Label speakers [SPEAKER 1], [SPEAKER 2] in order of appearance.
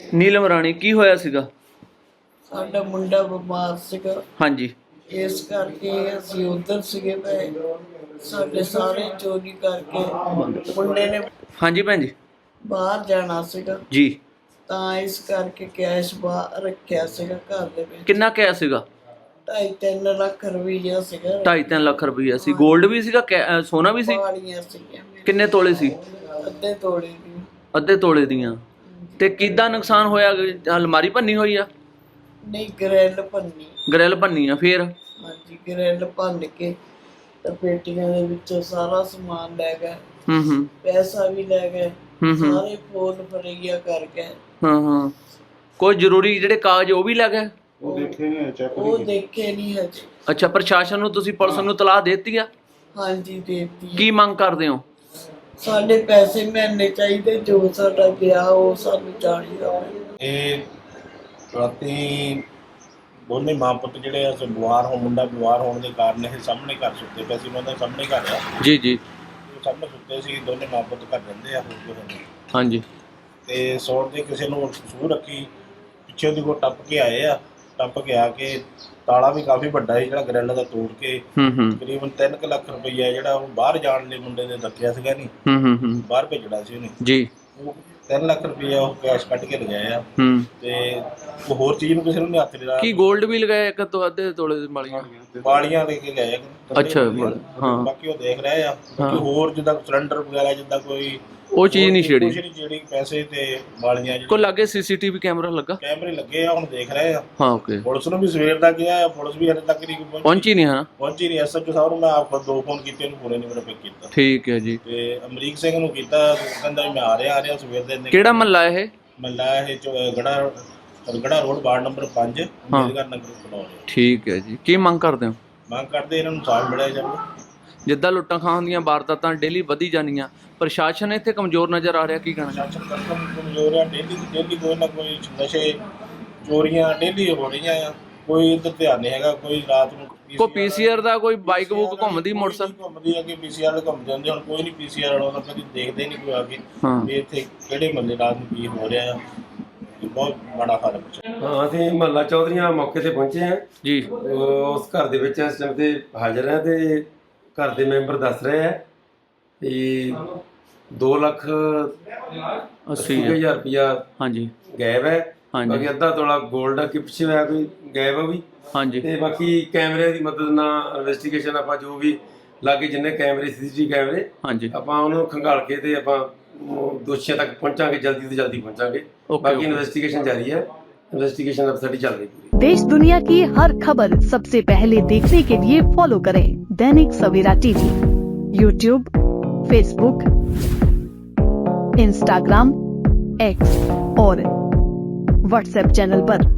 [SPEAKER 1] ਨੀਲਮ ਰਾਣੀ ਕੀ ਹੋਇਆ ਸੀਗਾ?
[SPEAKER 2] ਸਾਡਾ ਮੁੰਡਾ ਬਿਮਾਰ ਸੀਗਾ,
[SPEAKER 1] ਹਾਂਜੀ
[SPEAKER 2] ਇਸ ਕਰਕੇ ਅਸੀਂ ਉਧਰ ਸੀਗੇ ਪਏ। ਸਾਡੇ ਸਾਰੇ ਚੋਰੀ ਕਰਕੇ ਮੁੰਡੇ ਨੇ
[SPEAKER 1] ਹਾਂਜੀ ਭੈਣ ਜੀ
[SPEAKER 2] ਬਾਹਰ ਜਾਣਾ ਸੀਗਾ,
[SPEAKER 1] ਜੀ।
[SPEAKER 2] ਤਾਂ ਇਸ ਕਰਕੇ ਕੈਸ਼ ਬਾਹਰ ਰੱਖਿਆ ਸੀਗਾ ਘਰ ਦੇ ਵਿੱਚ।
[SPEAKER 1] ਕਿੰਨਾ ਕਿਆ ਸੀਗਾ?
[SPEAKER 2] 2.5-3 ਲੱਖ ਰੁਪਈਆ ਸੀਗਾ।
[SPEAKER 1] 2.5-3 ਲੱਖ ਰੁਪਈਆ ਸੀ। ਗੋਲਡ ਵੀ ਸੀਗਾ, ਸੋਨਾ ਵੀ ਸੀ?
[SPEAKER 2] ਵਾਲੀਆਂ ਸੀਗੀਆਂ ਮੇਰੇ।
[SPEAKER 1] ਕਿੰਨੇ ਤੋਲੇ ਸੀ?
[SPEAKER 2] ਅੱਧੇ ਤੋਲੇ ਦੀ।
[SPEAKER 1] ਅੱਧੇ ਤੋਲੇ ਦੀਆਂ। ਤੇ ਕਿੱਦਾਂ ਨੁਕਸਾਨ ਹੋਇਆ? ਅਲਮਾਰੀ ਭੰਨੀ ਹੋਈ ਆ?
[SPEAKER 2] ਨਹੀਂ, ਗ੍ਰਿਲ ਭੰਨੀ।
[SPEAKER 1] ਗ੍ਰਿਲ ਭੰਨੀ ਆ ਫੇਰ?
[SPEAKER 2] ਹਾਂਜੀ, ਗ੍ਰਿਲ ਭੰਨ ਕੇ ਤੇ ਪੇਟੀਆਂ ਦੇ ਵਿੱਚੋਂ ਸਾਰਾ ਸਮਾਨ ਲੈ ਗਏ। ਪੈਸਾ ਵੀ ਲੈ ਗਏ। ਸਾਰੇ ਫੋਨ ਫੜਈਆ ਕਰ ਗਏ।
[SPEAKER 1] ਕੋਈ ਜ਼ਰੂਰੀ ਜਿਹੜੇ ਕਾਗਜ਼ ਉਹ ਵੀ ਲੈ ਗਏ?
[SPEAKER 2] ਉਹ ਦੇਖੇ ਨਹੀਂ ਹਜੇ।
[SPEAKER 1] ਅੱਛਾ, ਪ੍ਰਸ਼ਾਸਨ ਨੂੰ ਤੁਸੀਂ ਪੁਲਿਸ ਨੂੰ ਤਲਾਹ ਦੇਤੀ ਆ?
[SPEAKER 2] ਹਾਂਜੀ, ਦੇਤੀ।
[SPEAKER 1] ਕੀ ਮੰਗ ਕਰਦੇ ਹੋ?
[SPEAKER 2] ਸਾਡੇ ਪੈਸੇ ਮਿਲਣੇ ਚਾਹੀਦੇ, ਜੋ ਸਾਡਾ ਗਿਆ ਉਹ ਸਾਨੂੰ ਚਾਹੀਦਾ।
[SPEAKER 3] ਇਹ ਰਾਤੀ ਦੋਨੇ ਮਾਂ ਪੁੱਤ ਜਿਹੜੇ ਆ ਮੁੰਡਾ ਬਿਮਾਰ ਹੋਣ ਦੇ ਕਾਰਨ ਇਹ ਸਾਹਮਣੇ ਘਰ ਸੁੱਤੇ ਪਏ ਸੀ। ਉਹਨਾਂ ਦਾ ਸਾਹਮਣੇ ਘਰ ਆ
[SPEAKER 1] ਜੀ ਜੀ।
[SPEAKER 3] ਸਾਹਮਣੇ ਸੁੱਤੇ ਸੀ, ਦੋਨੇ ਮਾਂ ਪੁੱਤ ਘਰ ਰਹਿੰਦੇ ਆ।
[SPEAKER 1] ਹਾਂਜੀ।
[SPEAKER 3] ਤੇ ਸੌਣ ਦੇ ਕਿਸੇ ਨੂੰ ਸੂਹ ਰੱਖੀ, ਪਿੱਛੇ ਦੀ ਕੋ ਟੱਪ ਕੇ ਆਏ ਆ। ਟੱਪ ਕੇ ਆ ਕੇ ਤਾਲਾ ਵੀ ਕਾਫੀ ਵੱਡਾ ਸੀ ਜਿਹੜਾ ਗ੍ਰਿਲ ਦਾ ਤੋੜ ਕੇ ਤਕਰੀਬਨ 3 ਲੱਖ ਰੁਪਈਆ ਜਿਹੜਾ ਉਹ ਬਾਹਰ ਜਾਣ ਲਈ ਮੁੰਡੇ ਨੇ ਦੱਸਿਆ ਸੀਗਾ ਨਹੀਂ, ਬਾਹਰ ਭੇਜਣਾ ਸੀ ਉਹਨੇ
[SPEAKER 1] ਜੀ।
[SPEAKER 3] ਉਹ 3 ਲੱਖ ਰੁਪਈਆ ਉਹ ਕੈਸ਼ ਕੱਢ ਕੇ ਲਗਾਏ ਆ। ਤੇ ਉਹ ਹੋਰ ਚੀਜ਼ ਨੂੰ ਕਿਸੇ ਨੂੰ ਨਹੀਂ ਹੱਥ ਨਹੀਂ ਲਾਇਆ।
[SPEAKER 1] ਕੀ ਗੋਲਡ ਵੀ ਲਗਾਇਆ? ਇੱਕ ਤੋਂ ਅੱਧੇ ਤੋਲੇ ਦੀ
[SPEAKER 3] ਵਾਲੀਆਂ ਲੈ ਕੇ ਗਏ।
[SPEAKER 1] ਅੱਛਾ, ਹਾਂ।
[SPEAKER 3] ਬਾਕੀ ਉਹ ਦੇਖ ਰਹੇ ਆ। ਬਾਕੀ ਹੋਰ ਜਿੱਦਾਂ ਸਿਲੰਡਰ ਵਗੈਰਾ ਜਿੱਦਾਂ ਕੋਈ
[SPEAKER 1] ਉਹ ਚੀਜ਼ ਨਹੀਂ ਛੇੜੀ।
[SPEAKER 3] ਜਿਹੜੀ ਪੈਸੇ ਤੇ ਵਾਲੀਆਂ
[SPEAKER 1] ਕੋਈ ਲਾਗੇ ਸੀਸੀਟੀਵੀ ਕੈਮਰਾ ਲੱਗਾ?
[SPEAKER 3] ਕੈਮਰੇ ਲੱਗੇ ਆ, ਹੁਣ ਦੇਖ ਰਹੇ ਆ।
[SPEAKER 1] ਹਾਂ, ਓਕੇ।
[SPEAKER 3] ਪੁਲਿਸ ਨੂੰ ਵੀ ਸਵੇਰ ਦਾ ਗਿਆ, ਪੁਲਿਸ ਵੀ ਹਲੇ ਤੱਕ ਨਹੀਂ
[SPEAKER 1] ਪਹੁੰਚੀ ਨਹੀਂ। ਹਾਂ,
[SPEAKER 3] ਪਹੁੰਚੀ ਨਹੀਂ। ਐਸਐਚਓ ਸਾਹਿਬ ਨੂੰ ਮੈਂ ਆਪ 2 ਫੋਨ ਕੀਤੇ, ਉਹਨੂੰ ਪੂਰੇ ਨਹੀਂ ਮੇਰਾ ਪਿਕ ਕੀਤਾ।
[SPEAKER 1] ਠੀਕ ਹੈ ਜੀ।
[SPEAKER 3] ਤੇ ਅਮਰੀਕ ਸਿੰਘ ਨੂੰ ਕੀਤਾ, ਕਹਿੰਦਾ ਮੈਂ ਆ ਰਿਹਾ ਸਵੇਰ ਦੇ।
[SPEAKER 1] ਕਿਹੜਾ ਮਹੱਲਾ ਇਹ?
[SPEAKER 3] ਮਹੱਲਾ ਇਹ ਗੜਾ road, ward number 5, Ambedkar Nagar colony.
[SPEAKER 1] ਠੀਕ ਹੈ ਜੀ। ਕੀ ਮੰਗ ਕਰਦੇ ਹੋ?
[SPEAKER 3] ਮੰਗ ਕਰਦੇ ਇਹਨਾਂ ਨੂੰ ਸਾਥ ਮਿਲਿਆ ਜਾਵੇ।
[SPEAKER 1] ਜਿੱਦਾਂ ਲੁੱਟਾਂ ਖਾਂ ਦੀਆਂ ਵਾਰਦਾਤਾਂ ਡੇਲੀ ਵਧੀ ਜਾਂਦੀਆਂ, ਪ੍ਰਸ਼ਾਸਨ ਇੱਥੇ ਕਮਜ਼ੋਰ ਨਜ਼ਰ ਆ ਰਿਹਾ, ਕੀ ਕਹਿਣਾ?
[SPEAKER 3] ਪ੍ਰਸ਼ਾਸਨ ਕਮਜ਼ੋਰ ਆ। ਡੇਲੀ ਕੋਈ ਨਾ ਕੋਈ ਨਸ਼ੇ, ਚੋਰੀਆਂ ਡੇਲੀ ਹੋ ਰਹੀਆਂ ਆ। ਕੋਈ ਇੱਧਰ ਧਿਆਨ ਨਹੀਂ ਹੈਗਾ। ਕੋਈ ਰਾਤ ਨੂੰ
[SPEAKER 1] ਕੋਈ ਪੀਸੀਆਰ ਦਾ ਕੋਈ ਬਾਈਕ ਬੁੱਕ ਘੁੰਮਦੀ, ਮੋਟਰਸਾਈਕਲ
[SPEAKER 3] ਘੁੰਮਦੀ, ਅੱਗੇ ਪੀਸੀਆਰ ਘੁੰਮ ਜਾਂਦੇ। ਹੁਣ ਕੋਈ ਨਹੀਂ ਪੀਸੀਆਰ ਵਾਲਾ, ਕਦੀ ਦੇਖਦੇ ਨਹੀਂ ਕੋਈ ਆ ਕੇ ਵੀ ਇੱਥੇ ਕਿਹੜੇ ਮਹੱਲੇ ਰਾਤ ਨੂੰ ਕੀ ਹੋ ਰਿਹਾ ਆ। ਬਹੁਤ ਬੜਾ ਹਾਲ ਹੈ।
[SPEAKER 4] ਹਾਂ, ਅਸੀਂ ਮਹੱਲਾ ਚੌਧਰੀਆਂ ਮੌਕੇ ਤੇ ਪਹੁੰਚੇ ਹਾਂ
[SPEAKER 1] ਜੀ।
[SPEAKER 4] ਉਸ ਘਰ ਦੇ ਵਿੱਚ ਇਸ ਟਾਈਮ ਤੇ ਹਾਜ਼ਰ ਹੈ ਤੇ ਘਰ ਦੇ ਮੈਂਬਰ ਦੱਸ ਰਹੇ ਆ ਕਿ 2,80,000 ਰੁਪਇਆ
[SPEAKER 1] ਹਾਂਜੀ
[SPEAKER 4] ਗਾਇਬ ਹੈ।
[SPEAKER 1] ਹਾਂਜੀ।
[SPEAKER 4] ਬਾਕੀ ਅੱਧਾ ਤੋਲਾ ਗੋਲਡ ਆ, ਕਿ ਪਿੱਛੇ ਹੋਇਆ ਕੋਈ ਗਾਇਬ ਆ ਵੀ।
[SPEAKER 1] ਹਾਂਜੀ।
[SPEAKER 4] ਤੇ ਬਾਕੀ ਕੈਮਰੇ ਦੀ ਮਦਦ ਨਾਲ ਇਨਵੈਸਟੀਗੇਸ਼ਨ ਆਪਾਂ ਜੋ ਵੀ ਲਾਗੇ ਜਿੰਨੇ ਕੈਮਰੇ ਸੀਸੀਟੀਵੀ ਕੈਮਰੇ,
[SPEAKER 1] ਹਾਂਜੀ,
[SPEAKER 4] ਆਪਾਂ ਉਹਨੂੰ ਖੰਗਾਲ ਕੇ ਤੇ ਆਪਾਂ ਦੋਸ਼ੀਆਂ ਤੱਕ ਪਹੁੰਚਾਂਗੇ, ਜਲਦੀ ਤੋਂ ਜਲਦੀ ਪਹੁੰਚਾਂਗੇ। बाकी इन्वेस्टिगेशन जारी है। इन्वेस्टिगेशन अब सारी चल रही है।
[SPEAKER 5] देश दुनिया की हर खबर सबसे पहले देखने के लिए फॉलो करें Dainik Savera TV, YouTube, Facebook, Instagram, X और व्हाट्सएप चैनल पर।